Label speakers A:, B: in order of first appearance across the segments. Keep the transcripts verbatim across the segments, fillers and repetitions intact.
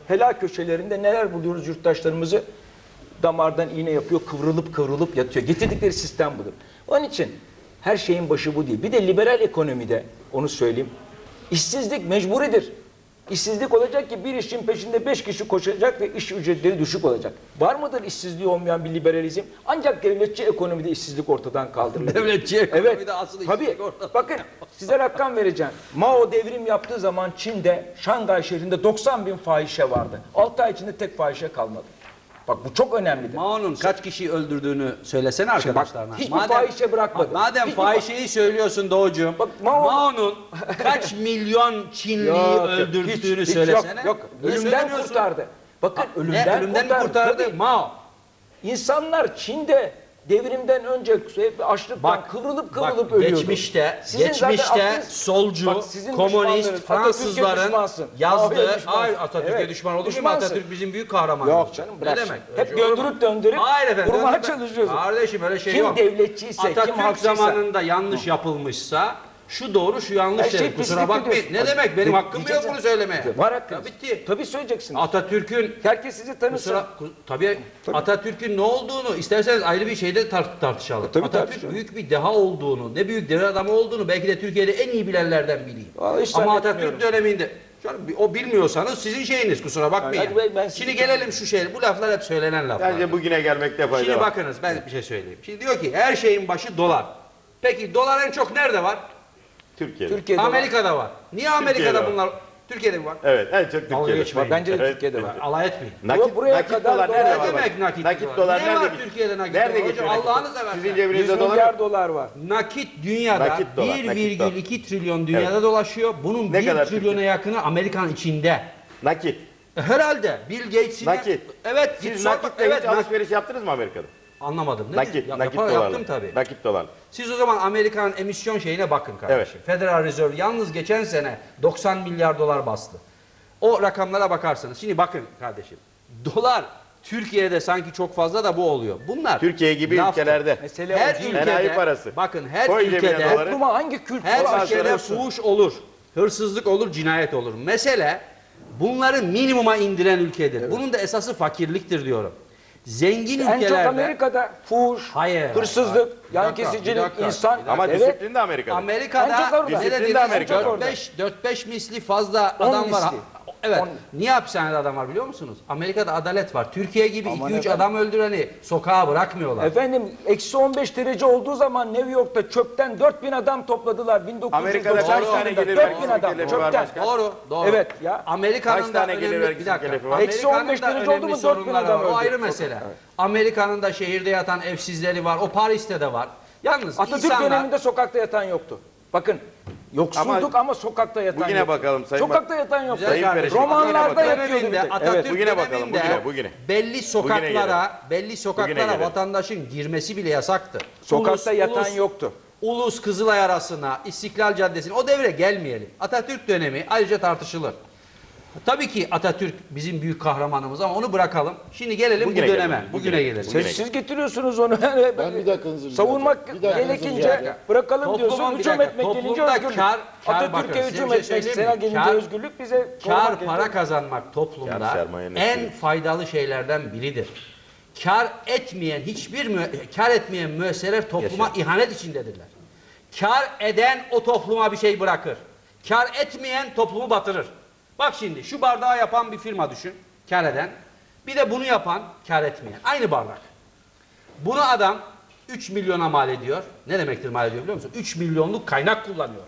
A: helal köşelerinde neler buluyoruz yurttaşlarımızı damardan iğne yapıyor, kıvrılıp kıvrılıp yatıyor. Getirdikleri sistem budur. Onun için her şeyin başı bu değil. Bir de liberal ekonomide onu söyleyeyim. İşsizlik mecburidir. İşsizlik olacak ki bir işin peşinde beş kişi koşacak ve iş ücretleri düşük olacak. Var mıdır işsizliği olmayan bir liberalizm? Ancak devletçi ekonomide işsizlik ortadan kaldırılır.
B: Devletçi ekonomide
A: evet,
B: asıl
A: tabii.
B: işsizlik ortadan.
A: Bakın size rakam vereceğim. Mao devrim yaptığı zaman Çin'de, Şangay şehrinde doksan bin fahişe vardı. altı ay içinde tek fahişe kalmadı. Bak bu çok önemlidir.
B: Mao'nun kaç kişiyi öldürdüğünü söylesene arkadaşlarına.
A: Hiçbir fahişe bırakmadı.
B: Madem
A: Hiçbir
B: fahişeyi söylüyorsun Doğucuğum.
A: Bak, Mao-
B: Mao'nun kaç milyon Çinliyi
A: Yok,
B: öldürdüğünü
A: hiç- hiç
B: söylesene.
A: Yok, yok.
B: Niye
A: Ölümden
B: söylemiyorsun?
A: kurtardı. Bakın
B: Ha,
A: ölümden,
B: ne, ölümden mi kurtardı?
A: Tabii.
B: Mao.
A: İnsanlar Çin'de devrimden önce açlıktan
B: Bak,
A: kıvrılıp
B: bak,
A: kıvrılıp ölüyordu.
B: geçmişte,
A: Sizin zaten
B: geçmişte
A: aklınız-
B: solcu,
A: Bak, sizin
B: komünist,
A: düşmanlarınız, Atatürk'e
B: Fransızların
A: düşmansın.
B: yazdığı,
A: Mao'ya düşmansın.
B: hayır Atatürk'e
A: Evet,
B: düşman olur mu?
A: düşmansın.
B: Atatürk bizim büyük kahramanımız.
A: Yok canım bırak.
B: Ne
A: şimdi.
B: demek?
A: Hep
B: Öyle şey olur mu?
A: döndürüp döndürüp
B: Hayır efendim,
A: vurmaya
B: döndürüp-
A: çalışıyorsun.
B: Kardeşim öyle şey
A: Kim
B: yok.
A: devletçiyse, kim
B: Atatürk
A: haksızsa.
B: zamanında yanlış yapılmışsa şu doğru şu yanlış
A: Her şey
B: derim. Kusura
A: pislik
B: bakmayın.
A: diyorsun.
B: Ne demek? Benim
A: Bak,
B: hakkım yok
A: diyeceksin.
B: bunu söylemeye.
A: Var hakkınız.
B: Ya bitti.
A: Tabii söyleyeceksin.
B: Atatürk'ün
A: Herkes sizi tanısın.
B: Kusura, ku- tabii,
A: Tabii.
B: Atatürk'ün ne olduğunu isterseniz ayrı bir şeyde tar- tartışalım.
A: Tabii
B: Atatürk
A: tartışalım.
B: büyük bir deha olduğunu, ne büyük devlet adamı olduğunu belki de Türkiye'de en iyi bilenlerden biriyim.
A: Vallahi hiç
B: Ama
A: zannetmiyorum.
B: Atatürk döneminde canım, o bilmiyorsanız sizin şeyiniz, kusura bakmayın.
A: Hadi ben- ben sizi
B: Şimdi gelelim şu şey, bu laflar hep söylenen laflar.
C: Bence bugüne gelmekte fayda
B: Şimdi
C: var.
B: bakınız ben bir şey söyleyeyim. Şimdi diyor ki her şeyin başı dolar. Peki dolar en çok nerede var?
C: Türkiye'de.
A: Türkiye'de var.
B: Amerika'da var. Niye Amerika'da
C: Türkiye'de var.
B: bunlar? Türkiye'de mi var?
C: Evet, en çok
B: Dalga
C: Türkiye'de.
B: geçmeyin.
A: Bence de
C: Evet.
A: Türkiye'de var.
B: Alay etmeyin.
C: Nakit,
A: Buraya
C: nakit
A: kadar
C: dolar
A: dolar-
C: nerede
B: Ne
C: var?
B: demek nakit,
C: Nakit
B: dolar?
C: dolar
B: Ne
C: nerede
B: var
C: geçiyor?
B: Türkiye'de nakit
C: Nerede
B: dolar?
C: geçiyor?
B: Hocam,
C: nakit
B: Allah'ını
C: dolar?
B: seversen.
C: Sizin
A: yüz
C: cebinizde dolar
A: milyar
C: yok.
A: dolar var.
B: Nakit dünyada
C: Nakit dolar, nakit
B: bir
C: dolar.
B: virgül iki trilyon dünyada dolaşıyor. Bunun
C: Ne
B: bir
C: kadar
B: trilyona
C: Türkiye?
B: yakını Amerikan içinde.
C: Nakit.
B: E, Herhalde Bill Gates'in
C: Nakit.
B: Evet, git
C: Siz
B: sor bak.
C: nakitle
B: Evet,
C: hiç
B: nak-
C: alışveriş yaptınız mı Amerika'da?
B: anlamadım. Ne
C: Nakit,
B: dedin? Ya,
C: nakit
B: yapar-
C: dolarla.
B: Yaptım tabii.
C: Nakit dolar.
B: Siz o zaman Amerikan emisyon şeyine bakın kardeşim.
C: Evet.
B: Federal Reserve yalnız geçen sene doksan milyar dolar bastı. O rakamlara bakarsanız. Şimdi bakın kardeşim. Dolar Türkiye'de sanki çok fazla da bu oluyor. Bunlar
C: Türkiye gibi
B: laftır.
C: ülkelerde.
A: Mesele
B: Her
A: o değil.
B: ülkede
C: Enayi parası.
B: bakın her
C: Koy cebine
B: ülkede
C: doları.
A: Topluma hangi kültür
B: her
A: var?
B: ülkede
A: söylüyorsun?
B: fuhuş olur. Hırsızlık olur, cinayet olur. Mesele bunları minimuma indiren ülkedir. Bunun da esası fakirliktir diyorum. Zengin
A: En
B: ülkelerde
A: çok Amerika'da fuhuş,
B: Hayır,
A: hırsızlık,
B: hayır. Bir
A: yan
B: dakika, bir
A: kesicilik,
B: dakika,
A: insan.
B: bir dakika.
C: Ama
A: Evet.
C: disiplin de Amerika'da.
A: En çok
B: Amerika'da
A: orada.
B: ne
C: Disiplin de
B: dediniz?
C: Amerika'da.
B: dört beş dört beş misli fazla
A: On
B: adam var.
A: misli.
B: Evet.
A: On.
B: Niye hapishanede adam var biliyor musunuz? Amerika'da adalet var. Türkiye gibi
A: Aman
B: iki üç
A: efendim.
B: adam öldüreni sokağa bırakmıyorlar.
A: Efendim eksi on beş derece olduğu zaman New York'ta çöpten dört bin adam topladılar. bin dokuz yüz
C: Amerika'da
A: doksan
C: kaç tane
A: yılında
C: gelir
A: dört bin
C: vergisi
A: adam
C: mükellef var
A: çöpten.
C: başkan?
B: Doğru, doğru.
A: Evet ya.
B: Amerika'nın
C: Kaç
B: da
C: tane gelir
B: önemli
C: vergisi
B: bir dakika.
C: mükellef var?
A: Eksi on beş
B: Amerika'nın da
A: derece oldu
B: önemli
A: mu dört bin
B: sorunları
A: adam
B: var. O
A: öldü.
B: ayrı mesele. Amerika'nın da şehirde yatan evsizleri var. O Paris'te de var. Yalnız
A: Atatürk
B: insanlar
A: döneminde sokakta yatan yoktu. Bakın yoksulduk ama, sokakta yatan
C: Bugüne
A: yoktu.
C: bakalım Sayın
A: Sokakta yatan yoktu.
B: Güzel
C: Sayın
B: kardeşim,
C: Perişan.
A: Romanlarda
C: Bugüne bakalım.
A: yatıyordu bir
B: döneminde,
A: tek.
B: Atatürk
C: Evet, bugüne bakalım,
B: döneminde
C: bugüne, bugüne.
B: belli sokaklara, belli
C: Bugüne
B: sokaklara
C: gelelim.
B: vatandaşın girmesi bile yasaktı.
A: Sokakta
B: Ulus-
A: yatan
B: ulus-
A: yoktu.
B: Ulus Kızılay arasına, İstiklal Caddesi'ne o devre gelmeyelim. Atatürk dönemi ayrıca tartışılır. Tabii ki Atatürk bizim büyük kahramanımız ama onu bırakalım. Şimdi gelelim
C: Bugüne
B: bu döneme.
C: gelelim,
B: Bugüne,
C: bugüne.
B: gelelim.
C: Bugüne.
A: Siz, siz getiriyorsunuz onu.
D: Ben bir dakikanızı rica
A: Savunmak
D: edeceğim. Bir dakikanızı rica
A: gerekince
D: edeceğim.
A: bırakalım
B: Toplumun
A: diyorsun.
B: bir
A: Hücum
B: dakika,
A: etmek gelince
B: toplumda
A: özgürlük.
B: kar- kar bakın,
A: Atatürk'e
B: size
A: hücum
B: bir şey
A: etmek
B: söyleyeyim
A: sana
B: mi?
A: gelince
B: Kar-
A: özgürlük bize
B: Kar
A: korumak
B: para
A: gelince-
B: kazanmak toplumda
C: Kar sermayenin
B: en
C: etkili.
B: faydalı şeylerden biridir. Kar etmeyen hiçbir mü kar etmeyen müesseseler topluma
C: Yaşa.
B: ihanet içindedirler. Kar eden o topluma bir şey bırakır. Kar etmeyen toplumu batırır. Bak şimdi şu bardağı yapan bir firma düşün. Kar eden. Bir de bunu yapan kar etmeyen. Aynı bardak. Bunu adam üç milyona mal ediyor. Ne demektir mal ediyor biliyor musun? üç milyonluk kaynak kullanıyor.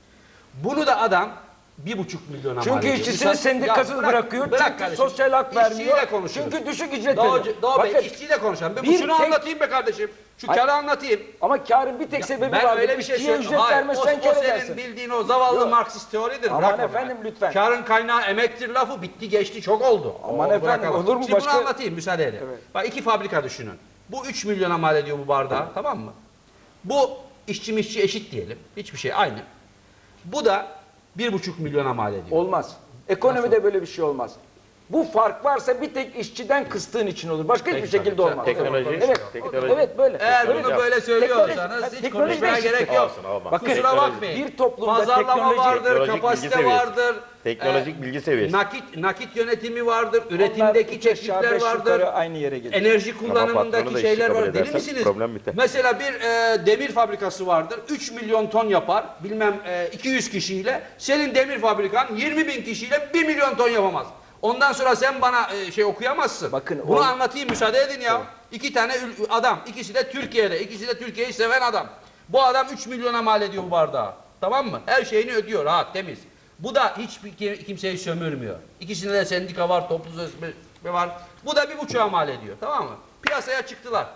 B: Bunu da adam bir buçuk milyona mal
A: Çünkü
B: ediyor.
A: işçisini
B: Misal-
A: sendikasız
B: Ya bırak-
A: bırakıyor.
B: bırak
A: Çünkü
B: kardeşim.
A: sosyal hak vermiyor.
B: İşçiyle konuşuyoruz.
A: Çünkü düşük ücret
B: Doğu,
A: veriyor.
B: Doğu Bey
A: Bakın,
B: işçiyle konuşalım. Ben
A: bir
B: şunu
A: tek-
B: anlatayım be kardeşim. Şu
A: Hayır.
B: karı anlatayım.
A: ama karın bir tek sebebi
B: Ben
A: var.
B: öyle bir şey
A: İşçiye
B: söyleyeyim.
A: ücret
B: Hayır,
A: vermezsen
B: o, o
A: kar
B: senin
A: edersin.
B: bildiğin o zavallı
A: Yok.
B: Marksist teoridir.
A: Aman
B: Bırak onu
A: efendim,
B: ya.
A: lütfen.
B: Karın kaynağı emektir lafı bitti geçti çok oldu.
A: Aman
B: Onu
A: efendim,
B: bırakalım.
A: olur mu?
B: Şimdi
A: Başka-
B: bunu anlatayım müsaade edin.
A: Evet.
B: Bak iki fabrika düşünün. Bu üç milyona mal ediyor bu bardağı tamam mı? Bu işçi mişçi eşit diyelim. Hiçbir şey aynı. Bu da bir buçuk milyona mal ediyor.
A: Olmaz. Ekonomide böyle bir şey olmaz. Bu fark varsa bir tek işçiden kıstığın için olur. Başka hiçbir şekilde olmaz.
C: Teknoloji,
A: Evet.
C: teknoloji.
A: Evet böyle.
B: Eğer
A: Öyle.
B: bunu böyle söylüyorsanız
A: Teknoloji-
B: hiç
A: teknoloji
B: konuşmaya
A: değişiklik.
B: gerek yok.
C: Olsun, olmaz.
A: Bakın,
B: Kusura bakmayın.
A: bir toplumda
B: pazarlama
A: teknoloji-
B: vardır,
C: teknolojik
B: kapasite
C: bilgi seviyesi.
B: vardır.
C: Teknolojik
B: e,
C: bilgi seviyesi.
B: Nakit nakit yönetimi vardır,
A: Onlar
B: üretimdeki
A: üç aşağı,
B: çeşitler
A: beş
B: vardır.
A: yukarı aynı yere gelir.
B: Enerji
C: patronu da
B: kullanımındaki
C: işi
B: şeyler
C: kabul
B: var. Deli
C: edersen
B: misiniz?
C: problem biter.
B: Mesela bir e, demir fabrikası vardır. üç milyon ton yapar. Bilmem e, iki yüz kişiyle. Senin demir fabrikan yirmi bin kişiyle bir milyon ton yapamaz. Ondan sonra sen bana e, şey okuyamazsın.
A: Bakın,
B: Bunu
A: o-
B: anlatayım, müsaade edin ya. İki tane ül- adam. İkisi de Türkiye'de. İkisi de Türkiye'yi seven adam. Bu adam üç milyona mal ediyor bu bardağı. Tamam mı? Her şeyini ödüyor. Rahat, temiz. Bu da hiçbir ki- kimseyi sömürmüyor. İkisinde de sendika var, toplu sözleşme var. Bu da bir buçuğa mal ediyor. Tamam mı? Piyasaya çıktılar.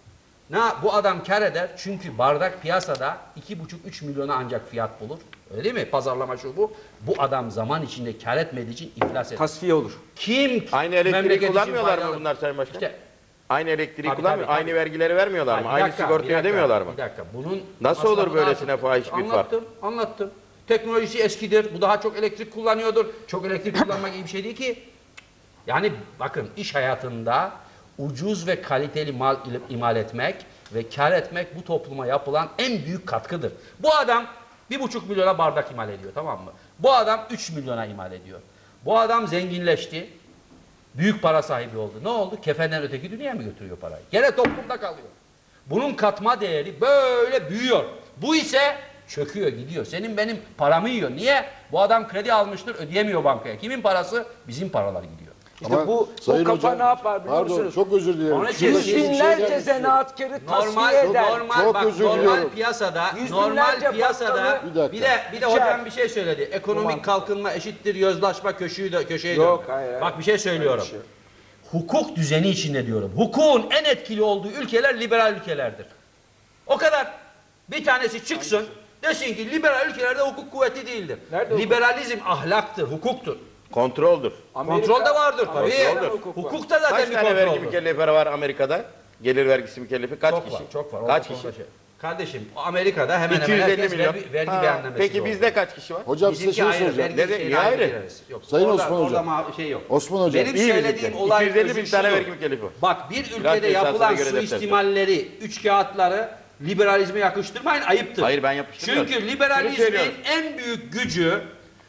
B: Ne bu adam kar eder çünkü bardak piyasada iki buçuk üç milyona ancak fiyat bulur. Öyle değil mi? Pazarlama şu bu. Bu adam zaman içinde kar etmediği için iflas eder.
A: Tasfiye olur.
B: Kim
C: Aynı elektriği
B: memleket için
C: kullanmıyorlar mı
B: faydalı?
C: bunlar Sayın Başkan?
B: İşte
C: Aynı elektriği
B: Tabii,
C: kullanmıyor.
B: tabii,
C: Aynı
B: tabii.
C: vergileri vermiyorlar mı?
B: bir
C: Aynı
B: dakika,
C: sigortayı
B: bir dakika,
C: ödemiyorlar mı?
B: Bir dakika. Bunun
C: Nasıl olur
B: masrafını
C: böylesine
B: artık-
C: fahiş bir fark?
B: Anlattım, anlattım. Teknolojisi eskidir. Bu daha çok elektrik kullanıyordur. Çok elektrik kullanmak iyi bir şey değil ki. Yani bakın iş hayatında ucuz ve kaliteli mal ile- imal etmek ve kar etmek bu topluma yapılan en büyük katkıdır. Bu adam bir buçuk milyona bardak imal ediyor, tamam mı? Bu adam üç milyona imal ediyor. Bu adam zenginleşti. Büyük para sahibi oldu. Ne oldu? Kefenden öteki dünyaya mı götürüyor parayı? Gene toplumda kalıyor. Bunun katma değeri böyle büyüyor. Bu ise çöküyor, gidiyor. Senin benim paramı yiyor. Niye? Bu adam kredi almıştır, ödeyemiyor bankaya. Kimin parası? Bizim paralar gidiyor.
A: İşte
D: Ama
A: bu
D: Sayın
A: o kafa
D: Hocam,
A: ne yapar biliyor
D: pardon,
A: musunuz?
D: çok özür dilerim.
B: Onun için
D: Şurada
A: Yüz
D: bir şey
A: binlerce
D: gelmek istiyorum.
A: zanaatkarı
B: Normal,
A: tasfiye eder.
B: normal,
D: Çok
B: bak,
D: özür
B: normal
D: diliyorum.
B: piyasada,
A: Yüz
B: normal
A: binlerce
B: piyasada
A: bakkalı-
D: Bir dakika.
B: bir de bir de
A: İçer.
B: hocam bir şey söyledi. Ekonomik
A: Tamam.
B: kalkınma eşittir yozlaşma köşeyi de köşeye
A: Yok,
B: dönme.
A: hayır, hayır.
B: Bak bir şey söylüyorum.
A: Öyle bir şey.
B: Hukuk düzeni içinde diyorum. Hukukun en etkili olduğu ülkeler liberal ülkelerdir. O kadar. Bir tanesi çıksın desin ki liberal ülkelerde hukuk kuvvetli değildir.
A: Nerede hukuk?
B: Liberalizm ahlaktır, hukuktur.
C: Kontroldür.
A: Amerika-
B: Kontrol de vardır tabii.
A: Amerika'da hukuk var.
B: Hukuk da zaten
C: Kaç
B: bir
C: tane vergi
B: kontroldür.
C: mükellefi var Amerika'da? Gelir vergisi mükellefi kaç
B: Çok
C: kişi?
B: var, çok var.
C: Kaç
B: O
C: kişi?
B: konuda şey- Kardeşim, Amerika'da hemen
C: iki
B: hemen
C: yüz elli
B: herkes
C: milyon.
B: vergi, vergi
C: Ha,
B: beyannamesi
C: Peki
B: doğru.
C: bizde kaç kişi var?
D: Hocam size
B: Bizimki
D: şunu
B: ayrı,
D: soracağım.
B: vergi
C: Neden-
B: şeyine
C: niye ayrı?
B: gireriz. Yok,
D: Sayın
B: orada,
D: Osman
B: orada
D: Hocam.
B: ma- şey yok.
D: Osman Hocam.
B: Benim
C: İyi
B: söylediğim
C: birlikte.
B: olay
C: iki yüz elli bin
B: özü
C: tane
B: şudur.
C: vergi mükellefi var.
B: Bak bir
C: Biraz
B: ülkede
C: esasına
B: yapılan
C: göre defter.
B: suistimalleri, üç kağıtları liberalizme yakıştırmayın, ayıptır.
C: Hayır, ben yapıştırmıyorum.
B: Çünkü
C: Şunu
B: liberalizmin
C: söylüyorum.
B: en büyük gücü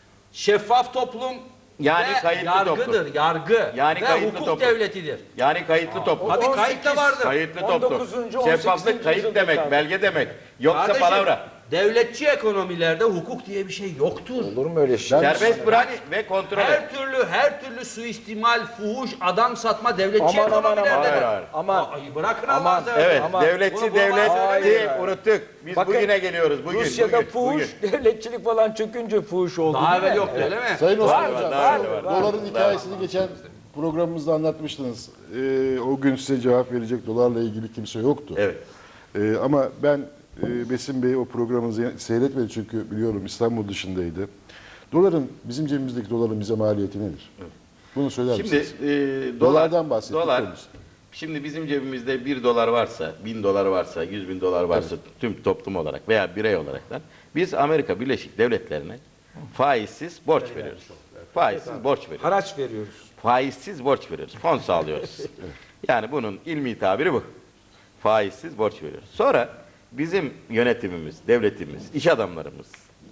B: şeffaf toplum
C: Yani
B: ve
C: kayıtlı
B: yargıdır,
C: toplum.
B: yargı
C: Yani
B: ve
C: kayıtlı
B: hukuk
C: toplum.
B: devletidir.
C: Yani kayıtlı toplum.
B: Tabii
A: on
B: kayıt da
A: sekiz,
B: vardır.
C: Kayıtlı
A: on
C: toplum.
A: dokuzuncu, on sekizinci
C: Şeffaflık kayıt
A: yüzyılda
C: demek,
A: kaldı.
C: belge demek. Yoksa
B: Kardeşim,
C: palavra.
B: devletçi ekonomilerde hukuk diye bir şey yoktur.
A: Olur mu öyle şey?
D: Ben-
C: Serbest bırak ve kontrol et.
B: Her türlü her türlü suistimal, fuhuş, adam satma devletçi
A: Aman, aman,
B: ekonomilerde
A: aman.
B: de.
C: Hayır, hayır.
A: Aman.
B: Ay, bırakın
A: Aman.
B: Allah'ını seversen.
C: Evet,
A: Ama
C: devletçi
B: bunu bulmaz
C: devleti
A: söylemeyin.
C: unuttuk. Biz
A: Bakın,
C: bugüne geliyoruz. Bugün,
A: Rusya'da
C: bugün,
A: fuhuş,
C: bugün.
A: devletçilik falan çökünce fuhuş oldu.
B: Daha
A: değil mi?
B: evvel yoktu öyle mi?
D: Sayın Osman
A: Var,
D: Hocam,
C: var,
D: şu
C: var,
A: var.
D: doların hikayesini geçen programımızda anlatmıştınız. Ee, o gün size cevap verecek dolarla ilgili kimse yoktu.
C: Evet.
D: Ee, ama ben e, Besim Bey o programınızı seyretmedi çünkü biliyorum İstanbul dışındaydı. Doların, bizim cebimizdeki doların bize maliyeti nedir? Bunu söyler
C: Şimdi
D: misiniz?
C: e, dolar,
D: Dolardan bahsettik
C: dolar,
D: henüz.
C: şimdi bizim cebimizde bir dolar varsa, bin dolar varsa, yüz bin dolar varsa tüm toplum olarak veya birey olaraktan biz Amerika Birleşik Devletleri'ne faizsiz borç veriyoruz. Faizsiz borç veriyoruz.
A: Haraç veriyoruz.
C: Faizsiz borç veriyoruz. Fon sağlıyoruz. Yani bunun ilmi tabiri bu. Faizsiz borç veriyoruz. Sonra bizim yönetimimiz, devletimiz, iş adamlarımız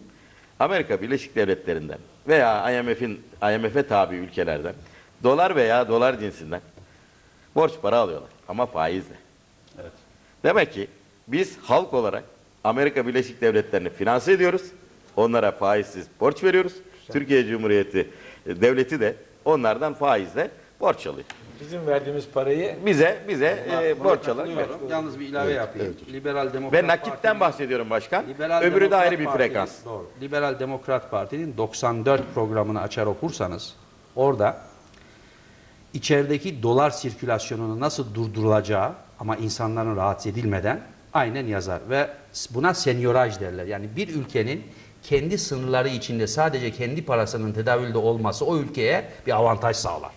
C: Amerika Birleşik Devletleri'nden veya I M F'in I M F'e tabi ülkelerden dolar veya dolar cinsinden borç para alıyorlar ama faizle.
B: Evet.
C: Demek ki biz halk olarak Amerika Birleşik Devletleri'ni finanse ediyoruz. Onlara faizsiz borç veriyoruz. Türkiye Cumhuriyeti e, devleti de onlardan faizle borç alıyor.
A: Bizim verdiğimiz parayı
C: Bize bize e,
B: Buna
C: borç alarak
B: katılıyorum. Yalnız bir ilave yapayım. Liberal Demokrat
C: ve nakitten
B: Parti'nin-
C: bahsediyorum başkan.
B: Liberal
C: Öbürü de
B: Demokrat
C: ayrı bir
B: Parti'nin-
C: frekans.
B: Doğru. Liberal Demokrat Parti'nin doksan dört programını açar okursanız orada içerideki dolar sirkülasyonunu nasıl durdurulacağı ama insanların rahatsız edilmeden aynen yazar ve buna senyoraj derler. Yani bir ülkenin kendi sınırları içinde sadece kendi parasının tedavülde olması o ülkeye bir avantaj sağlar.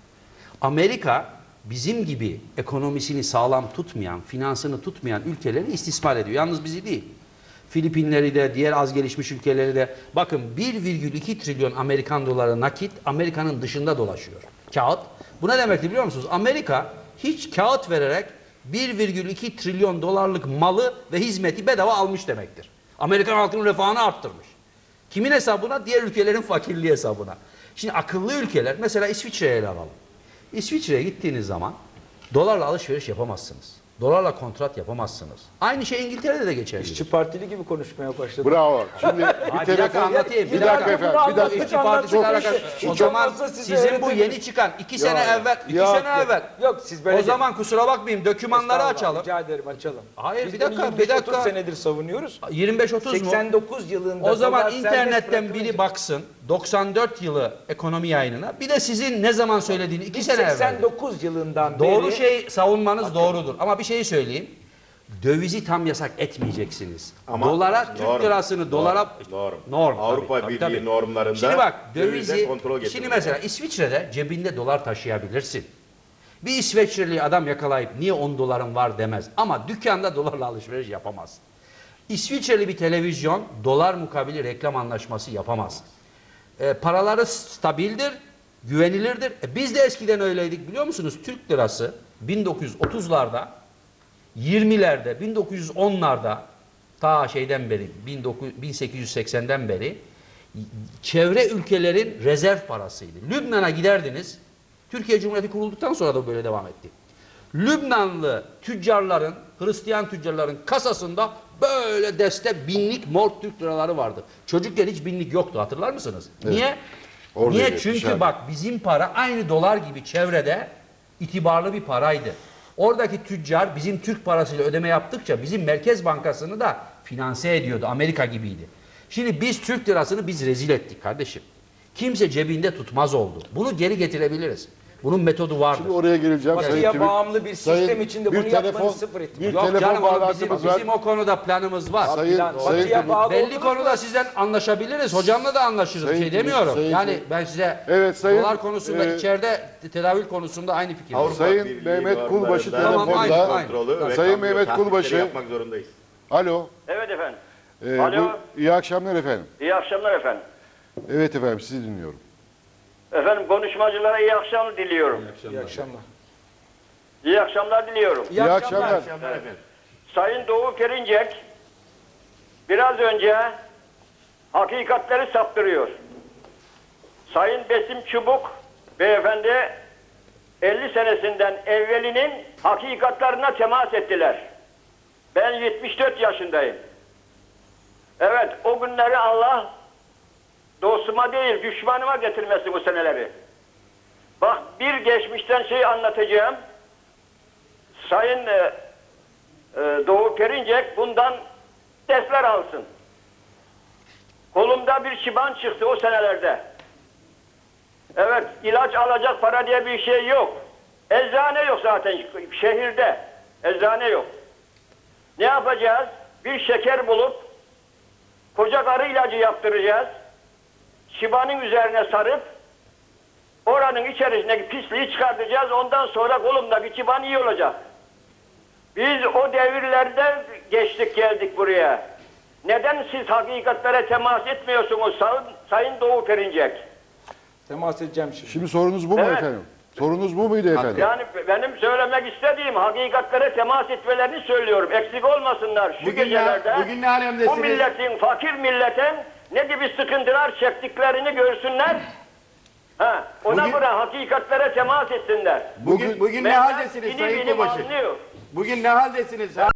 B: Amerika bizim gibi ekonomisini sağlam tutmayan, finansını tutmayan ülkeleri istismar ediyor. Yalnız bizi değil. Filipinleri de, diğer az gelişmiş ülkeleri de. Bakın bir virgül iki trilyon Amerikan doları nakit Amerika'nın dışında dolaşıyor. Kağıt. Bu ne demekti biliyor musunuz? Amerika hiç kağıt vererek bir virgül iki trilyon dolarlık malı ve hizmeti bedava almış demektir. Amerikan halkının refahını arttırmış. Kimin hesabına? Diğer ülkelerin fakirliği hesabına. Şimdi akıllı ülkeler, mesela İsviçre'ye ele alalım. İsviçre'ye gittiğiniz zaman dolarla alışveriş yapamazsınız. Dolarla kontrat yapamazsınız. Aynı şey İngiltere'de de geçerli.
A: İşçi Partili gibi konuşmaya başladı.
D: Bravo. Şimdi bir
B: Hayır, bir dakika
D: telefon...
B: anlatayım.
D: Bir dakika efendim. Bir dakika.
B: İşçi Partisi'yle alakalı.
A: Hiç
B: O zaman
A: olmazsa size
B: sizin bu
A: öğretirim.
B: yeni çıkan iki sene
D: Ya,
B: evvel, iki
D: ya,
B: sene
D: ya.
B: evvel.
A: Yok siz böyle...
B: O zaman kusura bakmayın dokümanları
A: Estağfurullah,
B: açalım.
A: Rica ederim açalım.
B: Hayır,
A: Biz
B: bir
A: bunu
B: dakika,
A: yirmi
B: bir
A: beş otuz
B: dakika.
A: senedir savunuyoruz.
B: yirmi beş otuz mu?
A: seksen dokuz yılında...
B: O zaman
A: dolar serbest
B: internetten biri
A: bırakılınca-
B: baksın. doksan dört yılı ekonomi yayınına. Bir de sizin ne zaman söylediğini iki
A: Biz
B: sene evvel.
A: seksen dokuz yılından
B: Doğru
A: beri...
B: şey savunmanız doğrudur. Ama bir şey söyleyeyim. Dövizi tam yasak etmeyeceksiniz.
C: Ama
B: dolara, Türk
C: norm,
B: lirasını dolara...
C: norm.
B: Norm,
C: Avrupa
B: tabii,
C: Birliği
B: tabii.
C: normlarında
B: Şimdi bak
C: dövize
B: dövizi...
C: kontrol
B: Şimdi
C: getiriliyor.
B: mesela İsviçre'de cebinde dolar taşıyabilirsin. Bir İsveçreli adam yakalayıp niye on doların var demez. Ama dükkanda dolarla alışveriş yapamaz. İsviçreli bir televizyon dolar mukabili reklam anlaşması yapamaz. E, paraları stabildir, güvenilirdir. E, biz de eskiden öyleydik biliyor musunuz? Türk lirası bin dokuz yüz otuzlarda, yirmilerde, bin dokuz yüz onlarda ta şeyden beri, bin sekiz yüz seksenden beri çevre ülkelerin rezerv parasıydı. Lübnan'a giderdiniz. Türkiye Cumhuriyeti kurulduktan sonra da böyle devam etti. Lübnanlı tüccarların, Hristiyan tüccarların kasasında böyle deste binlik mor Türk liraları vardı. Çocukken hiç binlik yoktu, hatırlar mısınız? Niye?
D: Oradaydı,
B: Niye? Çünkü
D: dışarıda.
B: bak bizim para aynı dolar gibi çevrede itibarlı bir paraydı. Oradaki tüccar bizim Türk parasıyla ödeme yaptıkça bizim Merkez Bankası'nı da finanse ediyordu. Amerika gibiydi. Şimdi biz Türk lirasını biz rezil ettik kardeşim. Kimse cebinde tutmaz oldu. Bunu geri getirebiliriz. Bunun metodu vardır.
D: Şimdi oraya geleceğim.
A: Batıya
D: Sayın Tübük-
A: bağımlı bir
D: Sayın-
A: sistem içinde
D: bir
A: bunu yapmanız
D: telefon-
A: sıfır ihtimal.
D: Bir
B: Yok
D: telefon
B: canım onun bizim,
D: bağlantımız var.
B: bizim o konuda planımız var.
D: Sayın,
A: Plan-
D: Sayın
A: Batıya
D: Tübük-
A: bağlı
B: Belli
A: oldunuz
B: konuda
A: mu?
B: sizden anlaşabiliriz. Hocamla da anlaşırız.
D: Sayın
B: Bir şey
D: Tübük,
B: demiyorum.
D: Sayın
B: yani
D: Tübük.
B: ben size
D: Evet, Sayın-
B: dolar konusunda
D: e,
B: içeride tedavül konusunda aynı fikirdeyim.
C: Avrupa
D: Sayın
C: Birliği
D: Mehmet Kulbaşı
C: normlarında
B: Tamam, aynı,
D: telefonda.
B: aynı.
C: kontrolü ve
D: Sayın
C: kambiyo
D: Mehmet
C: tahlilleri
D: Kulbaşı.
C: yapmak zorundayız.
D: Alo.
E: Evet efendim.
D: Ee,
E: Alo.
D: bu- iyi akşamlar efendim.
E: İyi akşamlar efendim.
D: Evet efendim sizi dinliyorum.
E: Efendim konuşmacılara iyi akşamlar diliyorum.
A: İyi akşamlar.
E: İyi akşamlar diliyorum.
D: İyi akşamlar.
E: Sayın Doğu Perinçek biraz önce hakikatleri saptırıyor. Sayın Besim Çubuk beyefendi elli senesinden evvelinin hakikatlarına temas ettiler. Ben yetmiş dört yaşındayım. Evet, o günleri Allah dostuma değil düşmanıma getirmesin o seneleri. Bak bir geçmişten şey anlatacağım. Sayın e, e, Doğu Perinçek bundan dersler alsın. Kolumda bir şiban çıktı o senelerde. Evet, ilaç alacak para diye bir şey yok. Eczane yok zaten şehirde. Eczane yok. Ne yapacağız? Bir şeker bulup koca karı ilacı yaptıracağız. Şibanın üzerine sarıp oranın içerisindeki pisliği çıkartacağız. Ondan sonra kolumdaki şiban iyi olacak. Biz o devirlerde geçtik geldik buraya. Neden siz hakikatlere temas etmiyorsunuz Sayın, Sayın Doğu Perinçek?
A: Temas edeceğim şimdi.
D: Şimdi sorunuz bu mu
E: Evet.
D: efendim? Sorunuz bu muydu efendim?
E: Yani benim söylemek istediğim hakikatlere temas etmelerini söylüyorum. Eksik olmasınlar şu
C: Bugün ne-
E: gecelerde.
C: bugün ne alemdesiniz?
E: Bu milletin, fakir milletin ne gibi sıkıntılar çektiklerini görsünler. Ha, ona
C: Bugün-
E: göre hakikatlere temas etsinler.
C: Bugün bugün ne
E: Mehmet
C: haldesiniz
E: inim
C: Sayın
E: inim
C: Kulbaşı?
E: anlıyor.
C: Bugün ne haldesiniz?